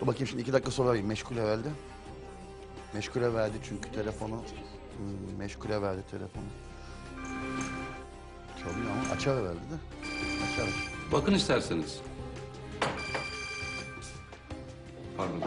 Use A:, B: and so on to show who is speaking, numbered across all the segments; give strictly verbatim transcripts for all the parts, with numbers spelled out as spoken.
A: Bakayım şimdi iki dakika sonra arayayım. Meşgule verdi. Meşgule verdi çünkü telefonu. Hmm, meşgule verdi telefonu. Çalıyor ama açar verdi de. Açar aç.
B: Bakın isterseniz. Pardon.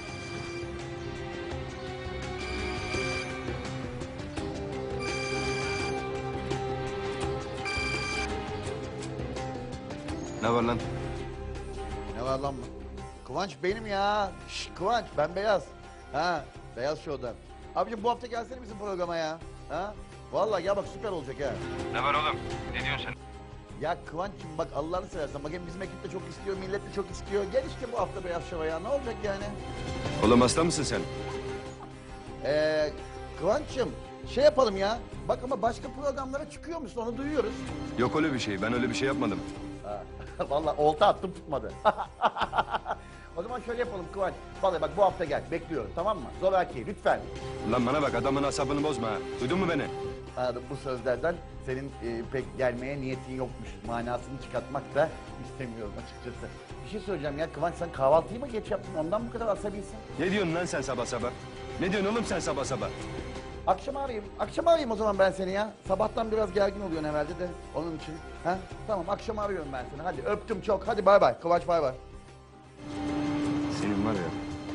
C: Ne var lan?
A: Ne var lan mı? Kıvanç benim ya. Şş, Kıvanç ben Beyaz. Ha Beyaz Show'dan. Abicim bu hafta gelsene bizim programa ya. Ha? Vallahi ya bak süper olacak ha.
C: Ne var oğlum? Ne diyorsun sen?
A: Ya Kıvanç'cığım bak Allah'ını seversen. Bak hem bizim ekip de çok istiyor, millet de çok istiyor. Gel işte bu hafta Beyaz Show'a ya. Ne olacak yani?
C: Oğlum hasta mısın sen?
A: Ee, Kıvanç'cığım şey yapalım ya. Bak ama başka programlara çıkıyor musun onu duyuyoruz.
C: Yok öyle bir şey. Ben öyle bir şey yapmadım.
A: Ha, vallahi olta attım tutmadı. O zaman şöyle yapalım Kıvanç. Vallahi bak bu hafta gel bekliyorum tamam mı? Zoraki lütfen.
C: Lan bana bak, adamın asabını bozma ha. Duydun mu beni?
A: Anladım, bu sözlerden senin e, pek gelmeye niyetin yokmuş. Manasını çıkartmak da istemiyorum açıkçası. Bir şey söyleyeceğim ya Kıvanç sen kahvaltıyı mı geç yaptın ondan bu kadar asabisin?
C: Ne diyorsun lan sen sabah sabah? Ne diyorsun oğlum sen sabah sabah?
A: Akşam arayayım. Akşam arayayım o zaman ben seni ya. Sabahtan biraz gergin oluyorsun herhalde de onun için. Ha? Tamam akşam arıyorum ben seni. Hadi öptüm çok. Hadi bay bay. Kıvanç bay bay.
C: Senin var ya.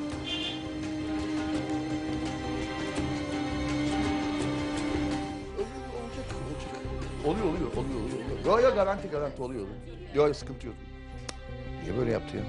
A: Olacak, olacak. Oluyor, oluyor, oluyor, oluyor. Yok yok garanti garanti oluyor. Yok sıkıntı yok. Niye böyle yaptı ya?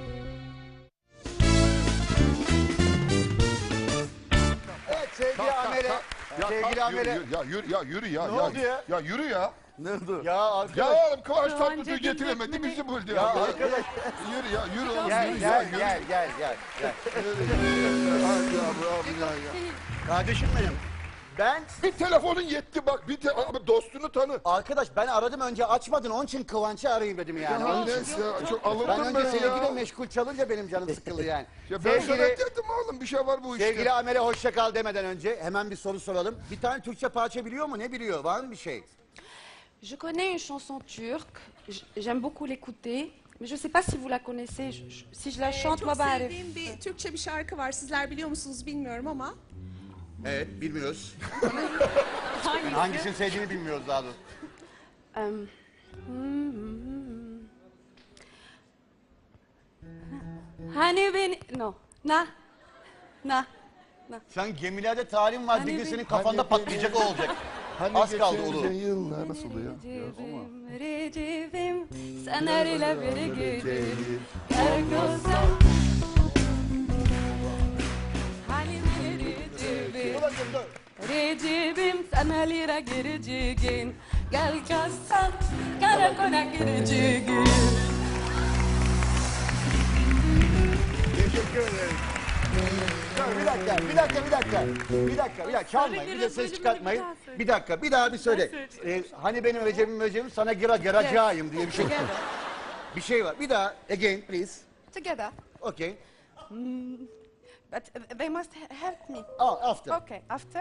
A: Evet sevgili Amele.
D: Ya,
A: Sevgili
D: kalk,
A: Amele.
D: yürü, yürü, ya yürü ya yürü ya.
A: Ne
D: ya,
A: oldu ya?
D: Ya yürü ya.
A: Ne oldu? Ya arkadaş.
D: Ya oğlum Kıvanç
E: Kıvanç
D: Tatlıtuğ
E: Edip
D: getiremedi
E: Ekmeni-
D: bizi buldu
A: Ya
D: ya.
A: arkadaş.
D: Yürü ya yürü oğlum
A: Gel
D: yürü ya.
A: gel
D: Yürü.
A: gel gel gel. gel.
D: Ay ya bu abi ya, ya.
A: Kardeşim benim. Ben
D: Bir telefonun yetti bak bir te abi dostunu tanı.
A: arkadaş ben aradım önce açmadın onun için Kıvanç'ı arayayım dedim yani.
D: Ya
A: Onun için.
D: neyse ya çok
A: Ben
D: alındım
A: önce
D: ben
A: sevgili
D: ya.
A: meşgul çalınca benim canım sıkıldı yani.
D: Ya ben sana
A: sevgili,
D: dedim oğlum bir şey var bu işte.
A: sevgili Amele hoşça kal demeden önce hemen bir soru soralım. Bir tane Türkçe parça biliyor mu? Ne biliyor? Var mı bir şey?
E: Je connais une chanson turque, j- j'aime beaucoup l'écouter, mais je ne sais pas si vous la connaissez. Je- je- si je la
F: Ee,
E: chante,
F: çok
E: ma belle.
F: sevdiğim bir Türkçe bir şarkı var. Sizler biliyor musunuz bilmiyorum ama.
A: Evet bilmiyoruz.
E: Hangisi?
A: Hangisini sevdiğini bilmiyoruz daha doğrusu.
E: Euh, hmm, hmm. Hani beni... No. Na. Na. Na.
A: Sen gemilerde talim var
E: Hani
A: bir gün
E: bir-
A: senin kafanda
D: Hani
A: patlayacak o olacak.
D: Hani
A: Az kaldı
D: geçen
A: Ulu.
D: yıllar nasıl oluyor?
E: Recep'im, Recep'im, sen her ile bir gecelim. Her gözden... Hani beni Recep'im,
A: Dur bakayım dur.
E: Recep'im, sen her ile gireceğin. Gel kalsan, karakola gireceğin.
A: Teşekkür ederim. Dur, bir dakika, bir dakika, bir dakika. Bir dakika, bir dakika. Çalmayın, bir de ses çıkartmayın. Bir dakika, bir daha bir söyle. Ee, hani benim Recep'im Recep'im sana gira giracağım diye bir şey.
E: Together.
A: Bir şey var. Bir daha, again please.
E: Together.
A: Okay.
E: But uh, they must he- help me.
A: Oh, after.
E: Okay, after.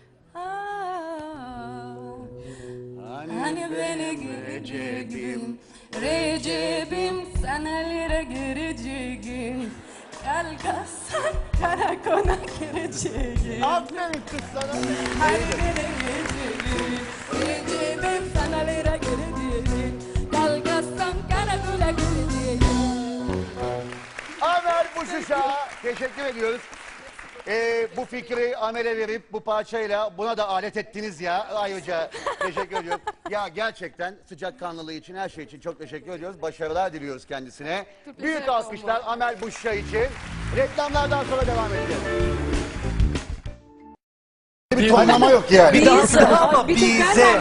E: Ah, hani beni gireceğim, Recep'im sen ellere gireceğim. Gel kalsan karakola gireceğim.
A: Aferin kız sana.
E: Hani beni gireceğim, Recep'im sen ellere gireceğim. Gel kalsan karakola gireceğim.
A: Amer Buşuş'a teşekkür ediyoruz. Ee, bu fikri Amel'e verip bu parçayla buna da alet ettiniz ya. Ayrıca teşekkür ediyoruz. Ya gerçekten sıcakkanlılığı için her şey için çok teşekkür ediyoruz. Başarılar diliyoruz kendisine. Büyük alkışlar Amel Buşuş'a için. Reklamlardan sonra devam edeceğiz. Bir tonlama yok yani.
G: Bir daha söyle ama bize.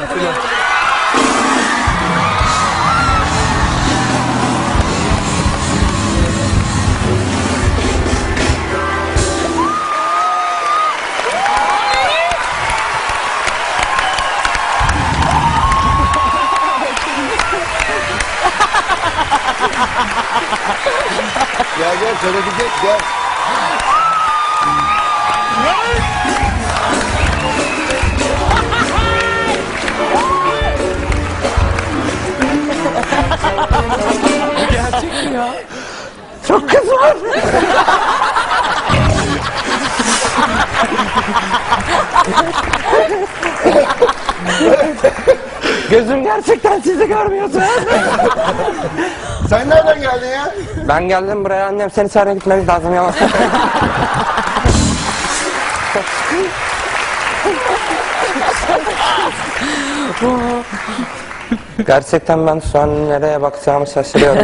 A: Gel gel söyleyecek gel.
G: Gerçek mi ya? Çok kız var.
H: Gözüm gerçekten sizi görmüyordu.
A: Sen nereden geldin ya?
H: Ben geldim buraya, annem seni çağırmaya gitmemiz lazım yavaş. Gerçekten ben şu an nereye bakacağımı şaşırıyorum.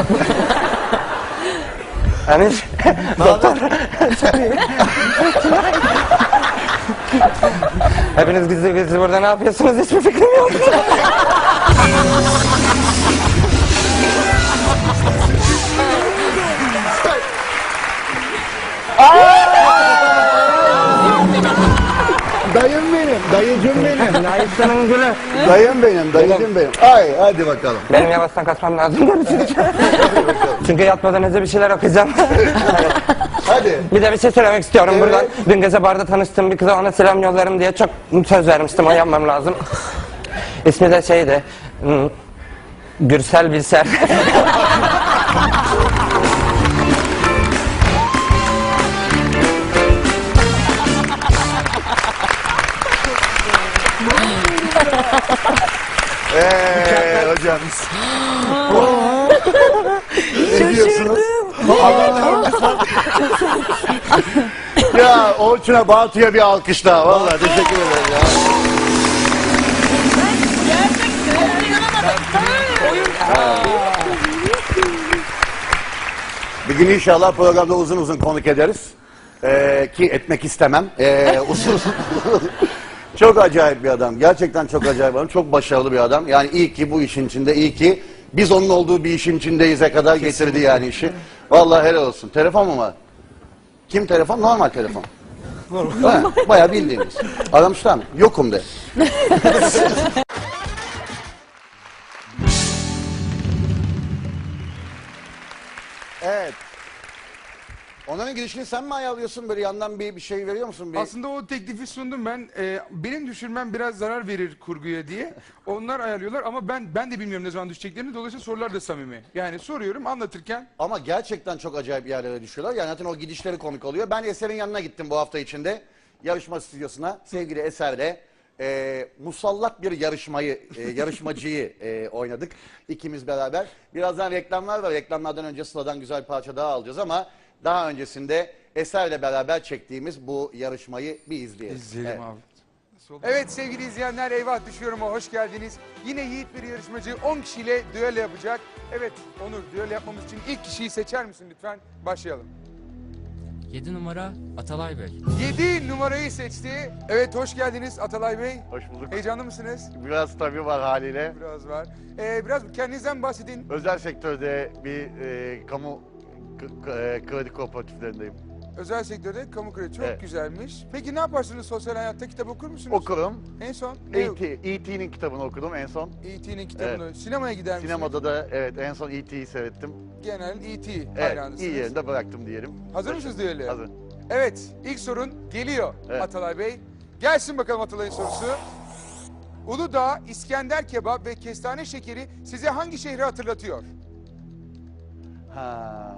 H: Hani doktor. Hepiniz gizli gizli burada ne yapıyorsunuz, hiçbir fikrim yok.
A: Dayım benim, dayıcım benim.
H: Dayısının gülü.
A: Dayım benim, dayıcım benim. Ay hadi bakalım.
H: Benim yavaştan kaçmam lazım. Çünkü yatmadan önce bir şeyler okuyacağım.
A: Hadi.
H: Bir de bir şey söylemek istiyorum
A: Evet.
H: buradan. Dün gece barda tanıştığım bir kıza ona selam yollarım diye çok söz vermiştim. O yapmam lazım. İsmi de şeydi. hmm, Gürsel Bilser.
A: Eee hocam. Ne diyorsunuz? Ya Orçun'a, Batu'ya bir alkış daha. Vallahi teşekkür ederim ya. Bir gün inşallah programda uzun uzun konuk ederiz. Ee, ki etmek istemem. Ee, uzun uzun. Çok acayip bir adam. Gerçekten çok acayip bir adam. Çok başarılı bir adam. Yani iyi ki bu işin içinde, iyi ki biz onun olduğu bir işin içindeyiz'e kadar getirdi yani işi. Vallahi helal olsun. Telefon mu var? Kim telefon? Normal telefon. Normal. Bayağı bildiğiniz. Aramışlar mı? Yokum de. Evet. Onların girişini sen mi ayarlıyorsun? Böyle yandan bir, bir şey veriyor musun? Bir...
I: Aslında o teklifi sundum ben. Ee, benim düşürmem biraz zarar verir kurguya diye. Onlar ayarlıyorlar ama ben ben de bilmiyorum ne zaman düşeceklerini. Dolayısıyla sorular da samimi. Yani soruyorum anlatırken.
A: Ama gerçekten çok acayip yerlere düşüyorlar. Yani zaten o gidişleri komik oluyor. Ben Eser'in yanına gittim bu hafta içinde. Yarışma stüdyosuna. Sevgili Eser'le e, musallat bir yarışmayı, e, yarışmacıyı e, oynadık. İkimiz beraber. Birazdan reklamlar var. Reklamlardan önce Sıla'dan güzel bir parça daha alacağız ama daha öncesinde Eser'le beraber çektiğimiz bu yarışmayı bir izleyelim.
I: İzleyelim
A: Evet.
I: abi. Evet sevgili izleyenler, Eyvah Düşüyorum'a hoş geldiniz. Yine yiğit bir yarışmacı on kişiyle düello yapacak. Evet Onur, düello yapmamız için ilk kişiyi seçer misin lütfen? Başlayalım.
J: yedi numara Atalay Bey.
I: yedi numarayı seçti. Evet hoş geldiniz Atalay Bey.
A: Hoş bulduk.
I: Heyecanlı mısınız?
A: Biraz tabii var haliyle.
I: Biraz var. Ee, biraz kendinizden bahsedin.
A: Özel sektörde bir e, kamu k- k- kredi kooperatiflerindeyim.
I: Özel sektörde kamu kredi çok
A: Evet.
I: güzelmiş. Peki ne yaparsınız sosyal hayatta? Kitap okur musunuz?
A: Okurum.
I: En son ne?
A: E T E T'nin kitabını okudum en son.
I: E T'nin kitabını. Sinemaya gider misiniz?
A: Sinemada da evet en son E T'yi seyrettim.
I: Genel E T
A: Evet,
I: hayranısınız.
A: iyi yerinde bıraktım diyelim.
I: Hazır mısınız düelloya?
A: Hazır.
I: Evet, ilk sorun geliyor
A: Evet.
I: Atalay Bey. Gelsin bakalım Atalay'ın sorusu. Uludağ, İskender kebap ve kestane şekeri size hangi şehri hatırlatıyor?
A: Ha.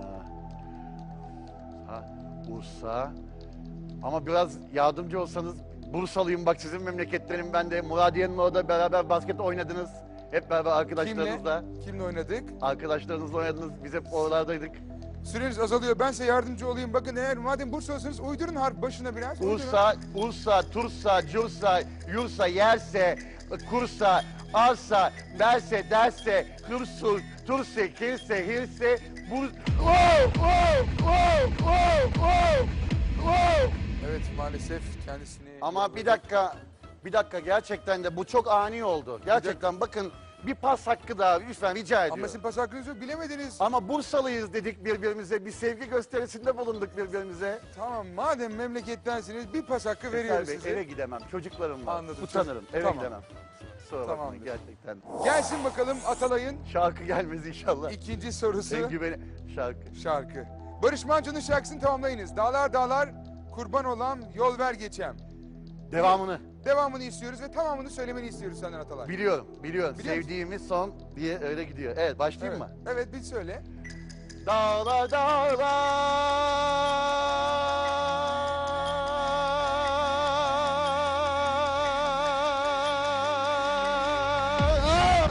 A: Ha, Bursa. Ama biraz yardımcı olsanız, Bursalıyım bak, sizin memleketlerim ben de. Muradiye'nin orada beraber basket oynadınız. Hep beraber arkadaşlarınızla.
I: Kimle? Kimle oynadık?
A: Arkadaşlarınızla oynadınız. Biz hep oralardaydık.
I: Süreniz azalıyor. Ben size yardımcı olayım. Bakın eğer madem Bursalısınız uydurun harf başına biraz. uydurun.
A: Ursa, Ursa, Tursa, Cursa, Yursa, Yerse, Kursa, Arsa, Derse, Derse, Hırsul, Turse, Kirse, Hirse, Bur... Wow, wow, wow, wow, wow, wow.
I: Evet maalesef kendisini...
A: Ama bir dakika, bir dakika gerçekten de bu çok ani oldu. Gerçekten bakın bir pas hakkı daha lütfen rica ediyorum.
I: Ama sizin pas hakkınız yok bilemediniz.
A: Ama Bursalıyız dedik birbirimize, bir sevgi gösterisinde bulunduk birbirimize.
I: Tamam madem memlekettensiniz bir pas hakkı
A: Eser
I: veriyoruz
A: Bey,
I: size.
A: eve gidemem, çocuklarım var.
I: Anladım.
A: Utanırım, eve
I: Tamam.
A: gidemem. Kusura bakmayın
I: Tamamdır.
A: gerçekten.
I: Gelsin bakalım Atalay'ın
A: Şarkı gelmez inşallah.
I: ikinci sorusu.
A: En güveni şarkı.
I: Şarkı. Barış Manço'nun şarkısını tamamlayınız. Dağlar dağlar kurban olan yol ver geçem.
A: Devamını.
I: Devamını istiyoruz ve tamamını söylemeni istiyoruz senden Atalay.
A: Biliyorum, biliyorum.
I: Biliyor musun?
A: Sevdiğimiz son diye öyle gidiyor. Evet, başlayayım
I: Evet.
A: mı?
I: Evet bir söyle.
A: Dağlar dağlar.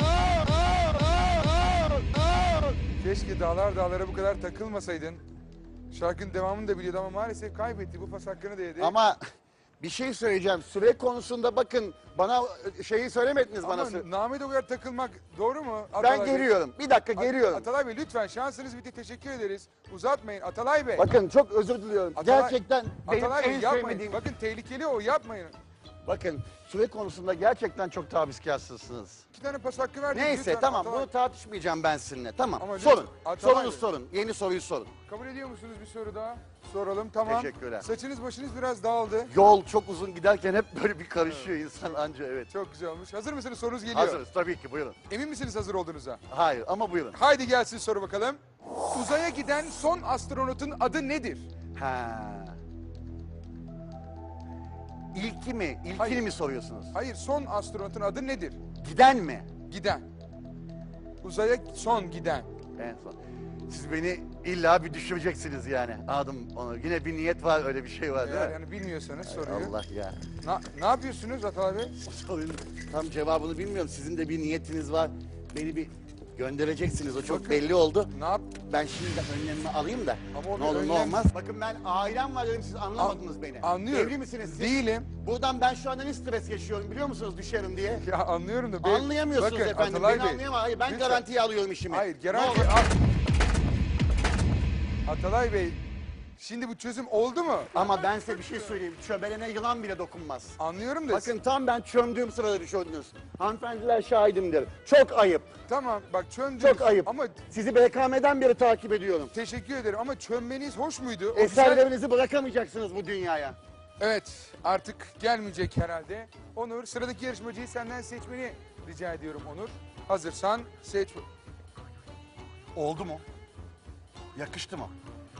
I: Keşke dağlar dağlara bu kadar takılmasaydın. Şarkının devamını da biliyordu ama maalesef kaybetti. Bu pas hakkını da yedi.
A: Ama bir şey söyleyeceğim. Süre konusunda bakın bana şeyi söylemediniz bana.
I: Ama
A: sü-
I: Name o kadar takılmak doğru mu?
A: Ben
I: Atalay Bey?
A: geliyorum. Bir dakika
I: At-
A: geliyorum.
I: Atalay Bey lütfen şansınız bitti. Teşekkür ederiz. Uzatmayın Atalay Bey.
A: Bakın çok özür diliyorum.
I: Atalay-
A: Gerçekten benim
I: Atalay Bey
A: en
I: yapmayın.
A: sevmediğim...
I: Bakın tehlikeli o, yapmayın.
A: Bakın süre konusunda gerçekten çok tavizkarsınız.
I: İki tane pas hakkı verdik.
A: Neyse
I: lütfen
A: tamam
I: Atalay-
A: bunu tartışmayacağım ben sizinle. Tamam
I: Ama lütfen,
A: sorun.
I: Atalay
A: Sorunuz
I: Bey.
A: sorun. Yeni soruyu sorun.
I: Kabul ediyor musunuz bir soru daha? Soralım tamam.
A: Teşekkürler.
I: Saçınız başınız biraz dağıldı.
A: Yol çok uzun giderken hep böyle bir karışıyor insan anca evet.
I: Çok güzel olmuş. Hazır mısınız? Sorunuz geliyor.
A: Hazırız tabii ki buyurun.
I: Emin misiniz hazır olduğunuza?
A: Hayır ama buyurun.
I: Haydi gelsin soru bakalım. Uzaya giden son astronotun adı nedir?
A: Ha. İlki mi? İlkini
I: Hayır.
A: mi soruyorsunuz?
I: Hayır, son astronotun adı nedir?
A: Giden mi?
I: Giden. Uzaya son giden.
A: En son. Siz beni illa bir düşüreceksiniz yani. Adım onu. Yine bir niyet var öyle bir şey var değil
I: Eğer
A: mi?
I: yani bilmiyorsanız
A: Hay
I: soruyu.
A: Allah ya.
I: Na, ne yapıyorsunuz Atalay Bey?
A: Sorunun tam cevabını bilmiyorum. Sizin de bir niyetiniz var. Beni bir göndereceksiniz. O çok
I: Bakın.
A: belli oldu.
I: Ne yap?
A: Ben şimdi de önlemimi alayım da.
I: Ama o
A: Ne
I: bir
A: olur ne
I: önlem-
A: olmaz. Bakın ben ailem var dedim siz anlamadınız beni.
I: Anlıyorum.
A: Evli misiniz siz?
I: Değilim.
A: Buradan ben şu anda ne stres yaşıyorum biliyor musunuz düşerim diye.
I: Ya anlıyorum da. bey-
A: Anlayamıyorsunuz
I: Bakın,
A: efendim.
I: Atalay
A: Beni
I: Bey,
A: anlayamam. Hayır ben
I: lütfen.
A: garantiye alıyorum işimi.
I: Hayır,
A: Ne
I: garanti...
A: olur.
I: At- Atalay Bey, şimdi bu çözüm oldu mu?
A: Ama ben size bir şey söyleyeyim. Çöbelene yılan bile dokunmaz.
I: Anlıyorum da.
A: Bakın tam ben çömdüğüm sırada düşürdünüz. Hanımefendiler şahidimdir. Çok ayıp.
I: Tamam bak çöndünüz.
A: Çok ayıp.
I: Ama
A: Sizi B K M'den beri takip ediyorum.
I: teşekkür ederim ama çönmeniz hoş muydu? O
A: Eserlerinizi bırakamayacaksınız bu dünyaya.
I: Evet, artık gelmeyecek herhalde. Onur, sıradaki yarışmacıyı senden seçmeni rica ediyorum Onur. Hazırsan seç.
A: Oldu mu? Yakıştı mı?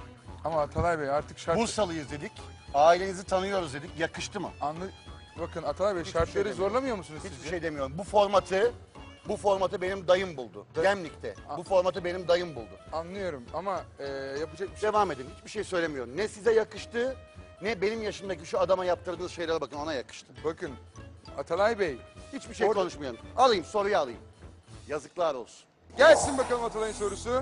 I: Ama Atalay Bey artık şart...
A: Bursalıyız dedik. Ailenizi tanıyoruz dedik. Yakıştı mı?
I: Anlı... Bakın Atalay Bey
A: Hiçbir
I: şartları
A: şey demiyorum.
I: zorlamıyor musunuz
A: Hiçbir
I: sizce?
A: şey demiyorum. Bu formatı bu formatı benim dayım buldu.
I: Da-
A: Gemlik'te. Bu formatı benim dayım buldu.
I: Anlıyorum ama e, yapacak bir şey...
A: Devam edin. Hiçbir şey söylemiyorum. Ne size yakıştı ne benim yaşımdaki şu adama yaptırdığınız şeylere bakın ona yakıştı.
I: Bakın Atalay Bey
A: Hiçbir şey
I: Orada-
A: konuşmuyorum. Alayım soruyu alayım. Yazıklar olsun.
I: gelsin bakalım Atalay'ın sorusu.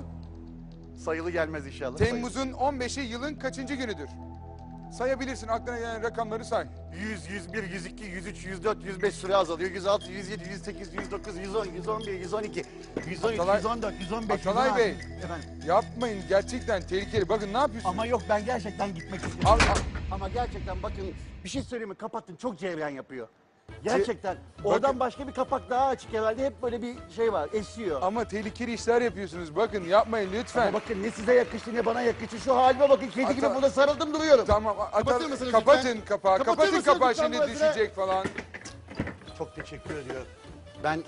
A: Sayılı gelmez inşallah.
I: Temmuz'un on beşi yılın kaçıncı günüdür? Sayabilirsin aklına gelen rakamları say.
A: yüz, yüz bir, yüz iki, yüz üç, yüz dört, yüz beş süre azalıyor. yüz altı, yüz yedi, yüz sekiz, yüz dokuz, yüz on, yüz on bir, yüz on iki, yüz on üç,
I: Atalay-
A: yüz on dört, yüz on beş,
I: Atalay
A: yüz on altı.
I: Bey.
A: Efendim.
I: Yapmayın gerçekten tehlikeli. Bakın ne yapıyorsunuz?
A: Ama yok ben gerçekten gitmek istiyorum.
I: Al, al.
A: Ama gerçekten bakın bir şey söyleyeyim mi? Kapattın çok cevren yapıyor. Gerçekten. Oradan başka bir kapak daha açık herhalde. Hep böyle bir şey var. Esiyor.
I: Ama tehlikeli işler yapıyorsunuz. Bakın yapmayın lütfen.
A: Ama bakın ne size yakıştı ne bana yakıştı. Şu halime bakın. Kedi gibi
I: Ata-
A: burada sarıldım duruyorum.
I: Tamam. Atal-
A: Kapatır mısınız
I: kapatın
A: lütfen?
I: kapağı.
A: Kapatır
I: Kapatın
A: mısınız
I: kapağı
A: lütfen
I: şimdi
A: burasını?
I: düşecek falan.
A: Çok teşekkür ediyorum. Ben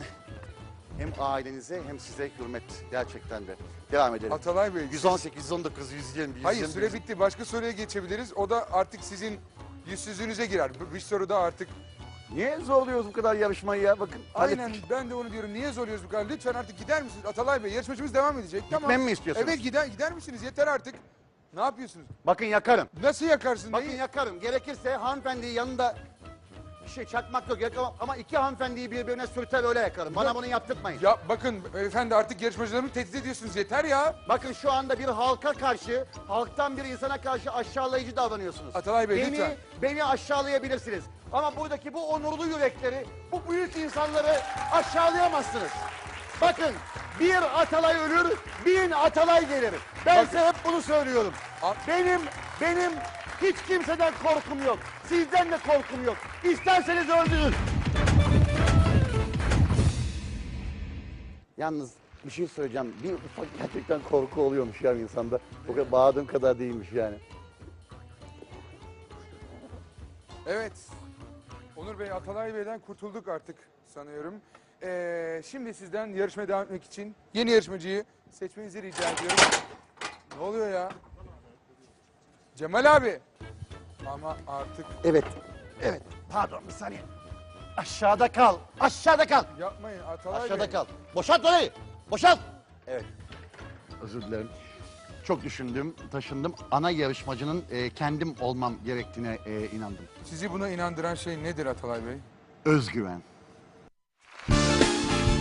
A: hem ailenize hem size hürmet gerçekten de. Devam edelim.
I: Atalay Bey.
A: yüz on sekiz, yüz on dokuz, yüz yirmi, yüz yirmi.
I: Hayır süre bitti. Başka soruya geçebiliriz. O da artık sizin yüzsüzlüğünüze girer. Bu- Bir soru da artık.
A: Niye zorluyoruz bu kadar yarışmayı ya? Bakın.
I: Aynen
A: hallettik.
I: ben de onu diyorum. Niye zorluyoruz bu kadar? Lütfen artık gider misiniz? Atalay Bey yarışmacımız devam edecek. Tamam.
A: Gitmemi mi istiyorsunuz?
I: Evet gider, gider misiniz? Yeter artık. Ne yapıyorsunuz?
A: Bakın yakarım.
I: Nasıl yakarsın?
A: Bakın
I: Neyi?
A: yakarım. Gerekirse hanımefendiyi yanında bir şey çakmak yok yakamam ama iki hanımefendiyi birbirine sürter öyle yakarım. Bana bunu yaptırtmayın.
I: Ya bakın efendi artık yarışmacılarımı tehdit ediyorsunuz. Yeter ya.
A: Bakın şu anda bir halka karşı, halktan bir insana karşı aşağılayıcı davranıyorsunuz.
I: Atalay Bey,
A: beni,
I: lütfen.
A: Beni aşağılayabilirsiniz. Ama buradaki bu onurlu yürekleri, bu büyük insanları aşağılayamazsınız. Bakın bir Atalay ölür, bin Atalay gelir. Ben
I: Bakın.
A: size hep bunu söylüyorum.
I: A-
A: Benim, benim hiç kimseden korkum yok. Sizden de korkum yok. İsterseniz öldürün. Yalnız bir şey söyleyeceğim. Bir ufak gerçekten korku oluyormuş ya insanda. O kadar bağırdığım kadar değilmiş yani.
I: Evet. Onur Bey, Atalay Bey'den kurtulduk artık sanıyorum. Ee, şimdi sizden yarışmaya devam etmek için yeni yarışmacıyı seçmenizi rica ediyorum. Ne oluyor ya? Cemal abi. Ama artık
A: Evet, evet. Pardon bir saniye. Aşağıda kal, aşağıda kal.
I: yapmayın Atalay
A: Aşağıda
I: Bey.
A: kal. Boşalt orayı, boşalt. Evet. Özür dilerim. Çok düşündüm, taşındım. Ana yarışmacının e, kendim olmam gerektiğine e, inandım.
I: Sizi buna inandıran şey nedir Atalay Bey?
A: Özgüven.